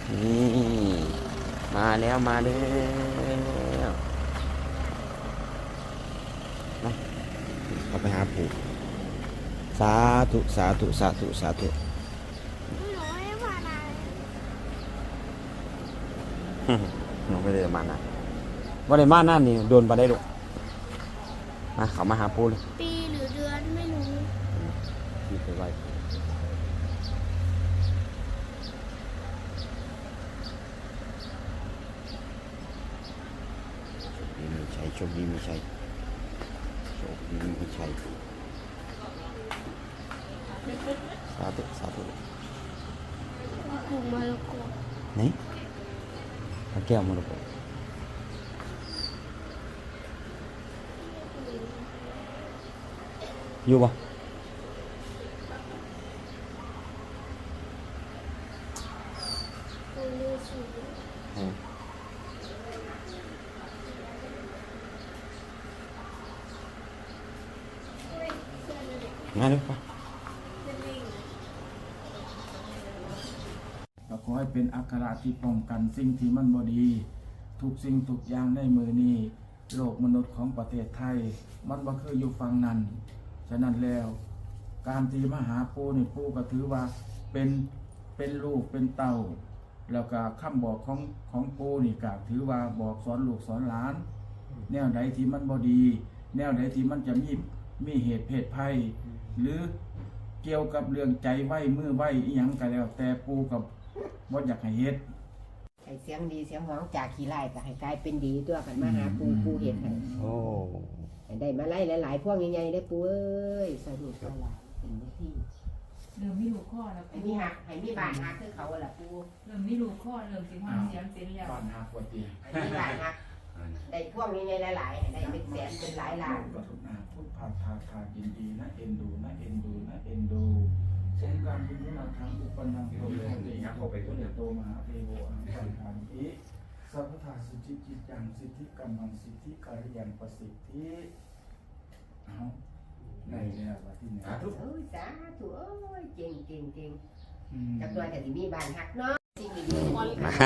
นี่มาแล้วมาแล้วนะเราไปหาปู่สาธุสาธุสาธุสาธุน้องไม่ได้มานะว่าได้มานั่นนี่โดนไปได้ลูกมาเขามาหาปู่เลยปีหรือเดือนไม่รู้ปีไปไว้มีชัยโชคดีมีชัยโชคดีมีชัยสาธุสาธุปลูกมะละกอไหนพระแก้วมรกตอยู่ปะมาเลยปะก็ขอให้เป็นอัคราที่ป้องกันสิ่งที่มันบ่ดีทุกสิ่งทุกอย่างในมือนี้โลกมนุษย์ของประเทศไทยมันบ่เคยอยู่ฝั่งนั้นฉะนั้นแล้วการที่มาหาปู่นี่ปู่ก็ถือว่าเป็นลูกเป็นเต้าแล้วก็คำบอกของปู่นี่ก็ถือว่าบอกสอนลูกสอนหลานแนวใดที่มันบ่ดีแนวใดที่มันจะมีเหตุเพศภัยหรือเกี่ยวกับเรื่องใจไหวมือไหวอีหยังก็แล้วแต่ปู่กับบ่อยากให้เฮ็ดให้เสียงดีเสียงห้องจากขี้ไล่ก็ให้กลายเป็นดีตัวกันมาหาปูเฮ็ดให้โอ้ได้มาไล่หลายๆพวกใหญ่ๆได้ปูเอ้ยสนุกหลายเป็นที่เริ่มมีลูกข้อแล้วให้มีหักให้มีบ้านหักคือเขาล่ะปูเริ่มมีลูกข้อเริ่มสิห้าเสียงเต็มแล้วบ้านหักปวดตีให้มีบ้านหักได้พวกใหญ่ๆหลายๆได้เป็นแสนเป็นหลายล้านพุทธพายินดีนะเอ็นดูนะเอ็นดูนะเอ็นดูสงการพิจารณาทางอุปนังโตโลตินะขอไปตัวโตมหาเทโวอังคันธานิสัพพทาสุจิจิตังสิทธิกรรมังสิทธิการยังประสิทธิเอาในเนี่ยว่าที่ไหนโอ้ยสาธุโอ้ยเก่งจักหน่อยแต่ที่มีบ้านหักเนาะสิ่งดีๆ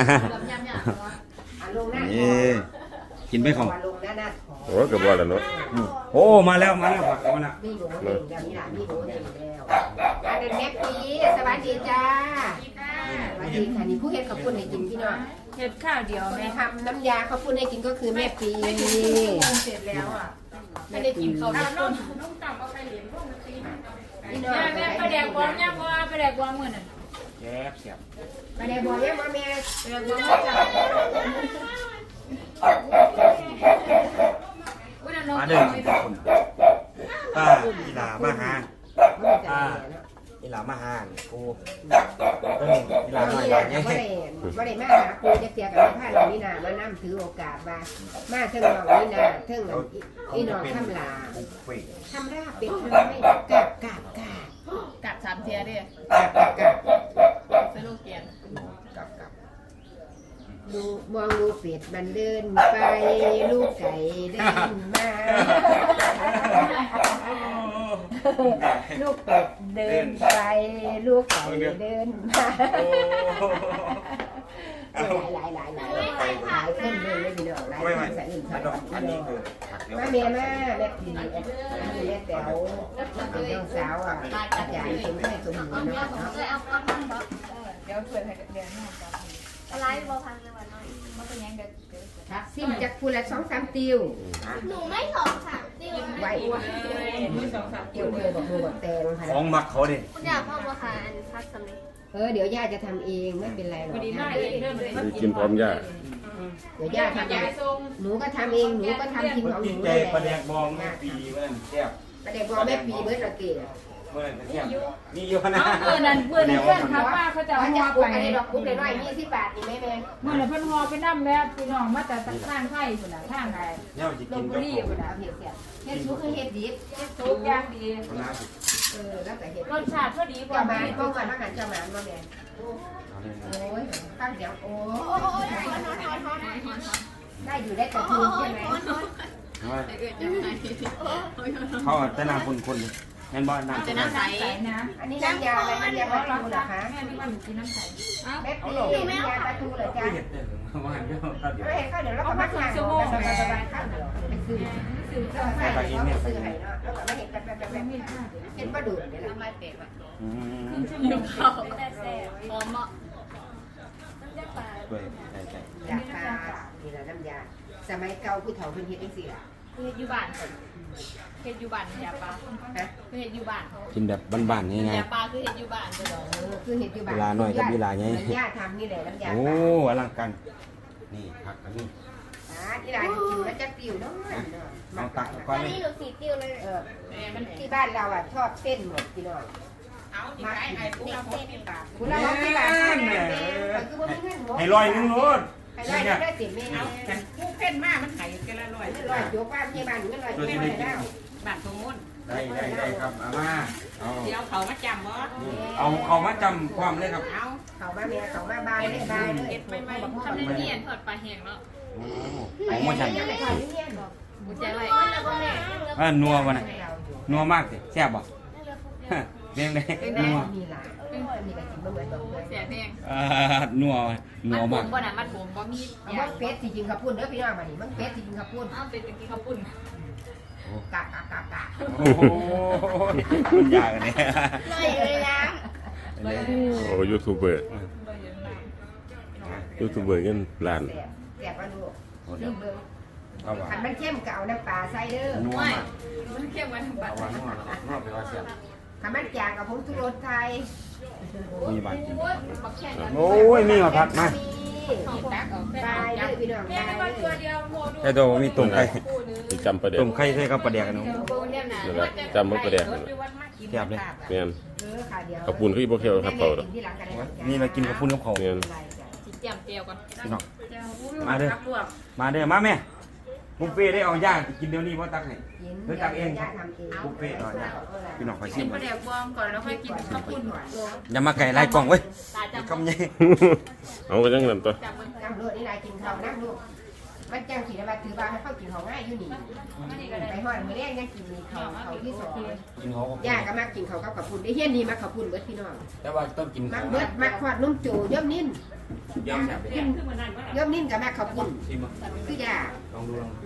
ลงหน้ากินไม่ของลงหน้าโอ้กระบอกแล้วรถโอ้มาแล้วผักแล้วนะมีโหเองแบบนี้ล่ะมีโหเองแล้วอันนี้แม่ปีสวัสดีจ้าสวัสดีค่ะนี่ผู้เฮ็ดข้าวปุ้นให้กินพี่น้องเฮ็ดข้าวเดียวแม่ทำน้ำยาข้าวปุ้นให้กินก็คือแม่ปีเสร็จแล้วอ่ะไม่ได้กินข้าวน้องต่ำเอาไปเหรียญพวกมันตีแม่ไปแดกบอลเนี่ยว่าไปแดกบอลเหมือนน่ะแซ่บเสียบไปแดกบอลเนี่ยมาแม่ไปแดกบอลมาจ้ะมาเดินคนป้าอีหลามาหาป้าอีหลามาหากูอีหลาหน่อยหลานเนี่ยไม่ได้มาหาปูจะเสียกับผ้าเหล่านี้นะมานั่งถือโอกาสมาเทิงเหล่านี้นะเทิงอีนอนทำลาทำราเป็นทำไม่กัด3เทียดิสโลแกนลูกมองลูกเป็ดมันเดินไปลูกไก่เดินมาลูกเป็ดเดินไปลูกไก่เดินมาหลายขึ้นเลยพี่น้องหลายใส่อื่นใส่อันนี้คือแม่แม่ปีแม่แต๋วเป็นน้องสาวอาจารย์สมให้สมบูรณ์นะครับเนาะเดี๋ยวช่วยให้เดี๋ยวน้องกันอะไรบ่พังในวันน้อยมันเป็นยังเด็กซิมจากพูละ2-3 ติวหนูไม่2-3 ติวไว้ไม่2-3 ติวเลยบอกแตงค่ะของมักเขาดิคุณอยากพ่อมาค่ะอันพักสำเร็จเดี๋ยวย่าจะทำเองไม่เป็นไรหรอกกินพร้อมย่าเดี๋ยวย่าทำเองหนูก็ทำเองหนูก็ทำกินของหนูเลยประเด็กบองแม่ปีเมื่อแซ่บประเด็กบองแม่ปีเมื่อตะเกียบนี่อยู่นะเพื่อนเพื่อนครับป้าเขาจะห่อไปดอกกุ๊กเลยน้อย20 บาทนี่แม่เมื่อไหร่เพื่อนห่อไปนั่มแล้วพี่น้องมาแต่ข้างไข่คนละข้างไหนลงบุรีคนละเฮ็ดซุปคือเฮ็ดดิบเฮ็ดซุปย่างดีแล้วแต่เฮ็ดรสชาติพอดีกว่ามาเมื่อวันนั้นจะมาบ่แม่โอ้ยตั้งเดี๋ยวโอ้ยได้อยู่ได้กระทูใช่ไหมเขาแต่นาคนงั้นบ่น้ำจะน้ำใสนะอันนี้น้ำยาอะไรน้ำยาปลาทูเหรอคะแม่ที่ว่าหนูกินน้ำใสแม่ปีน้ำยาปลาทูเหรอจ๊ะเห็ดเด้อว่าเดี๋ยวครับเดี๋ยวไม่เห็นข้าวเดี๋ยวเราก็มาทานสบายๆข้าวเดี๋ยวไปซื้อเราใส่เขาซื้อให้เนาะแล้วก็ไม่เห็นแบบเห็นปลาดุกเนี่ยแหละอืมเดี๋ยวเขาแต่แซ่บหอมเหมาะน้ำยาปลาด้วยใช่ยาปลานี่แหละน้ำยาสมัยเก่าผู้เฒ่าเพิ่นเฮ็ดจังซี่ล่ะเฮ็ดอยู่บ้านเฮ็ดอยู่บ้านยาปลาฮะเฮ็ดอยู่บ้านกินแบบบ้านๆง่ายยาปลาคือเฮ็ดอยู่บ้านเด้อคือเฮ็ดอยู่บ้านเวลาหน่อยกับเวลาไงน้ำยาทำนี่แหละน้ำยาๆโอ้ปลาอลังการนี่ผักอันนี้ที่ร้านกินแล้วจะปิวเนาะเอาตักก่อนอันเลยนี้หนูสีติ้วเลยมันที่บ้านเราอ่ะชอบเส้นหมดพี่น้องเอาที่ไอ้พวกเราเฮ็ดปลาคุณเราที่บ้านคือว่ามีเงินหัวให้ลอยนึงโน้นให้ลอยนึงได้ติดแม่กันผู้เพ่นมากมันไข่กันละร้อยลอยโยกว่าที่บ้านเงินลอยไม่ได้แล้วบ้านสมมุติได้ครับเอามาเอาเดี๋ยวเขามาจำบ่เอามาจำความเลยครับเอาเขามาเมียเขามาบายเลยบายเลยเก็บไปทำได้เนียนทอดปลาแห้งแล้วโอ้ของมาฉันยังไม่ค่อยเงียบหรอกกูใจไว้แล้วก็แม่นัววะน่ะนัวมากสิแซ่บบ่เลี้ยงได้นัวมีหลายมีอะไรกินบ้างไหมบอกเลยเสียแห้งนัวมันผมมากบ่น่ะมันผมบ่มีมันเป็ดที่จริงขับพุ่นเด้อพี่น้องมาดิมันเป็ดที่จริงขับพุ่นเอาเป็นตะกี้ข้าวปุ้นกะกะกะกะโอ้โหมันยากอันนี้ลอยเลยนะโอ้ยูทูบเบอร์ยูทูบเบอร์เงินล้านแสบมาดูลืมเบิ่งเอาว่าขันมันเข้มก็เอาน้ำปลาใส่เด้อนัวไม่มากมันเข้มกว่าทั้งบ้าเอานว่านัวไปว่าแซ่บขันมันจางกับผงชูรสไทยมีบานกินบักแค่กันโอ้ยมีมาพักมาตักเอาแป้บายเลยพี่น้องแม่บายก็เลตัวย เดียวโมดูแต่ตัวมีต้มไข่ที่จำประเด็นต้มไข่ใส่กับปลาแดกกันเนาะโบเนี่ยนะนั่นแหละจำมันประเด็นนั่นแหละแซ่บเลยแม่นค่ะเดี๋ยวกระปุนคือบ่เข้าครับเขาดอกที่หลังกันนี่เรากินกับปุ้นกับข้าวแม่นจิเจียมเจียวก่อนพี่น้องมาเด้อมาเด้อมาแม่บุฟเฟ่ได้เอาย่างกินเดี๋ยวนี้ว่าตักให้เดี๋ยวตักเองครับบุฟเฟ่เอาย่างพี่น้องคอยชิกิมนปลาแดกบองก่อนแล้วค่อยกินข้าวปุ้นอย่ามาไก่ไล่กล่องเว้ยตาจำคำใหญ่เอาไปจังนั้นตัวจำมันน้ำรดนี่นายกินข้าวนั่งลูกมันจังสีนะมาถือบ้านให้เข้ากินของง่ายอยู่นี่ไปหอดมือแรกยังกินเขาที่สองกินเขาย่าก็มากินเขากับขับปุ่นได้เฮี้ยนดีมาขับปุ่นเบิดพี่น้องแต่ว่าต้องกินมักเบิดมักขวดนุ่มโจย่อมนิ่นยอมแซ่บเลยขึ้นมานั่นว่าย่อมนิ่นกับมาขับปุ่นชิมมาคือย่าลองดูลอง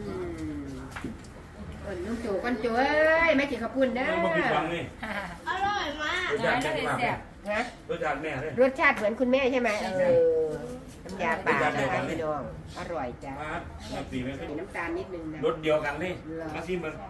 นุ่มโจก้อนโจเอ้ยไม่กินขับปุ่นเด้อบ่ผิดหวังนี่อร่อยมากรสชาติแม่มากนะรสชาติแม่เลยรสชาติเหมือนคุณแม่ใช่ไหมน้ำยาป่านะคะพี่น้องอร่อยจ้าน้ำตีไม่มีน้ำตาลนิดนึงนะรสเดียวกันนี่มาชิมมัน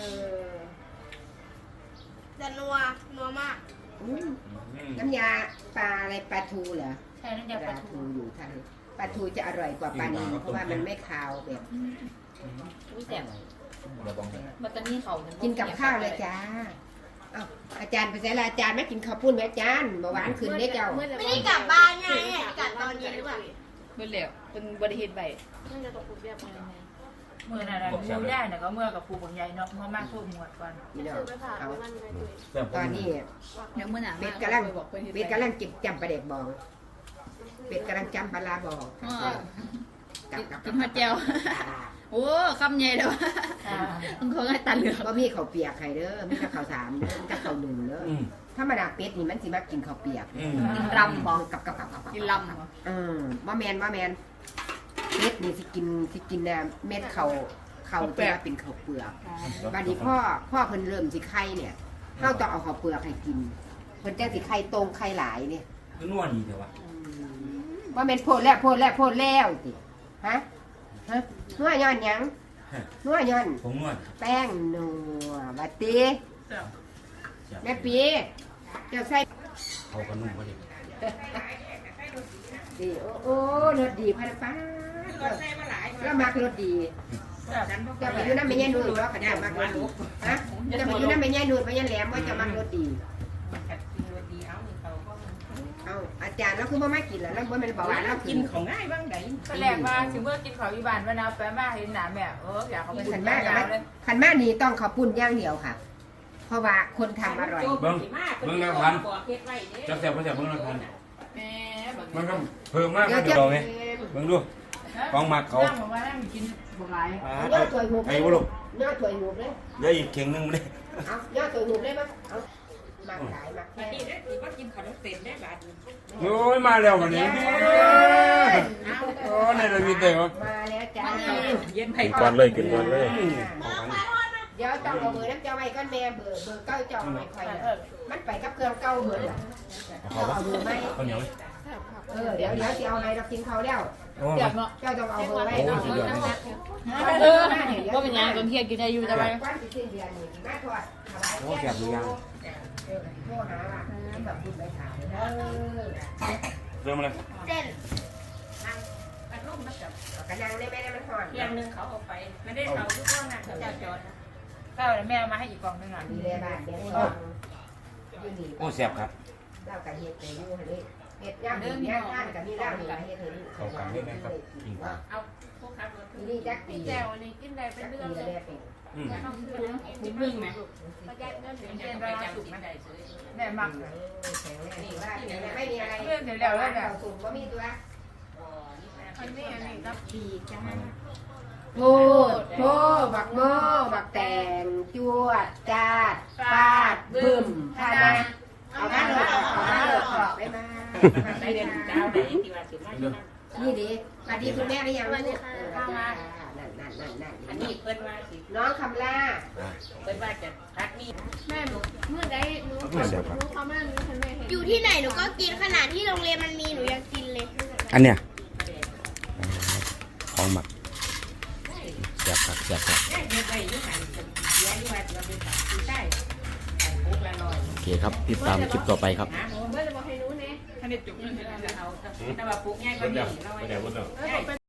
จะนัวมากน้ำยาปลาอะไรปลาทูเหรอใช่น้ำยาปลาทูอยู่ไทยปลาทูจะอร่อยกว่าปลานีเพราะว่ามันไม่คาวแบบอุ้ยแซ่บมันจะมีเขากินกับข้าวเลยจ้าอ้าวอาจารย์ไปใส่ละอาจารย์ไม่กินข้าวปุ้นไหมอาจารย์เบาหวานขึ้นเด้เจ้าไม่ได้กลับบ้านไงกลับตอนเย็นหรือเปล่าเมื่อแล้วเป็นบริเหตุใบน่าจะตกปุ๊บเรียบร้อยเมื่อนั้นมูได้น่ะก็เมื่อกับครูบางใหญ่เนาะเพราะมากโคตรหมวดก่อนพี่น้องซื้อไปผ่าเอาไปมันไปด้วยตอนนี้เดี๋ยวเมื่อหนาเป็ดกำลังเป็ดกำลังจิบจำปลาเด็กบองเป็ดกำลังจำปลาลาบองกินหัวเจียวโอ้คำใหญ่เลยมันคงให้ตาเหลือกก็มีข้าวเปียกไข่เด้อมีแต่ข้าวสารเด้อมีแต่ข้าวหนึ่งเด้อธรรมดาเป็ดนี่มันสิมากินข้าวเปียกกินรำบอกกับกินลำว่าแมนเป็ดนี่สิกินน่ะเม็ดเขาจะมาเป็นข้าวเปลือกบัดนี้พ่อเพิ่นเริ่มสิไข่เนี่ยเฮาต้องเอาข้าวเปลือกให้กินเพิ่นจังสิไข่ตรงไข่หลายเนี่ยคือนัวดีเถอะวะว่าแม่นโพดแล้วสิฮะนัวย้อนหยังนัวย้อนผมนวดแป้งนัวบัดตีแม่ปีเจ้าใส่เขาก็นุ่มกว่าดิดีโอ้รสดีพันป้าแล้วมักรสดีจะไปอยู่น้ำไม่แย่นูดว่าขันจะมักรสดีฮะจะไปอยู่น้ำไม่แย่นูดไม่แย่แหลมว่าจะมักรสดีเอาอาจารย์แล้วคือว่าไม่กินแล้วแล้วว่ามันบอกว่าเรากินของง่ายบ้างไหนก็แรกว่าถึงเมื่อกินเขาอีบานว่านาแปะมาเห็นหนาแม่อยากเขาไปขันมากขันมากนี่ต้องข้าวปุ้นอย่างเดียวค่ะ เพราะว่าคนทำอร่อยเบิ้งแล้วพันจะแซ่บเบิ้งแล้วพันแม่มันก็เพิ่มมากเดี๋ยวไงเบิ้งดูของมักเขานั่งบอกว่านั่งกินบ่หลายย่อถวยหูไอ้บุลุกย่อถวยหูเลยเดี๋ยวอีกเข่งนึงไม่ได้เอาย่อถวยหูเลยมั้งเอามาขายมาแค่นี่ได้ถือว่ากินขนมเส้นได้บาทโอ้ยมาแล้ววันนี้โอ้ในระบีเต๋อมาแล้วจ้าเย็นไผ่กินก่อนเลยกินก่อนเลยเดี๋ยวต้องเอาเบอร์น้ำเจ้าไว้ก้อนแม่เบอร์เก้าเจ้าไม่ค่อยมันไปกับเครื่องเก้าเบอร์เอาเบอร์ไหมข้าวเหนียวไหมเดี๋ยวจะเอาอะไรเรากินเขาแล้วโอ้เดี๋ยวเนาะเจ้าต้องเอาเบอร์ไว้โหเนาะสุดยอดเลยก็เป็นยังตอนเที่ยงกินได้อยู่จะไปวันที่สิ้นเดือนนี่มาทอดถวายโอ้แซ่บดูยังโทรหาว่าแบบบุญไปถามเด้อเริ่มเลยเส้นกระนังได้ไหมมันหอนเที่ยงนึงเขาเอาไปไม่ได้เขาทุกคนน่ะเขาจะจอดก็แม่มาให้อีกกล่องนึงอ่ะมีแลบ้านเดี๋ยวต้องอยู่นี่โอ้แซ่บครับเล่ากับเฮ็ดไปอยู่นี่เฮ็ดย่างดีย่างท่านกับมีเล่านี่เฮ็ดให้ลูกเข้ากันได้ไหมครับกินปลาเอาพวกครับนี่จักปีแก้วนี่กินได้เป็นเรื่องปีเลยแรกปีอืมนิดนึงไหมประหยัดเงินเดือนละสุกมันได้ซื้อแม่มักแข็งแรงดีว่าไม่มีอะไรสูงก็มีตัวอันนี้รับปีจ้าโทษบักโม่บักแตงจวดจาดฟาดบึ้มพานาเอามาเลยเอามาเลยขอบได้มาได้เดือนเจ้าได้ที่ว่าสิมาที่นั่นนี่ดิสวัสดีคุณแม่หรือยังลูกนั่นอันนี้เพิ่นว่าสิน้องคำล่าเพิ่นว่าจะพักนี่แม่หนูเมื่อใดหนูแซ่บครับเขาแม่หนูฉันไม่เห็นอยู่ที่ไหนหนูก็กินขนาดที่โรงเรียนมันมีหนูยังกินเลยอันเนี้ยของหมักแซ่บครับแซ่บครับได้เฮ็ดไว้อยู่หันเสียอยู่ว่าจะไปตัดสิได้ปุ๊กละ100 โอเคครับติดตามคลิปต่อไปครับหาหมูเมื่อจะบอกให้หนูเนี่ยท่านได้จุกเงินเอาแต่ว่าปุ๊กง่ายกว่านี้เดี๋ยว 100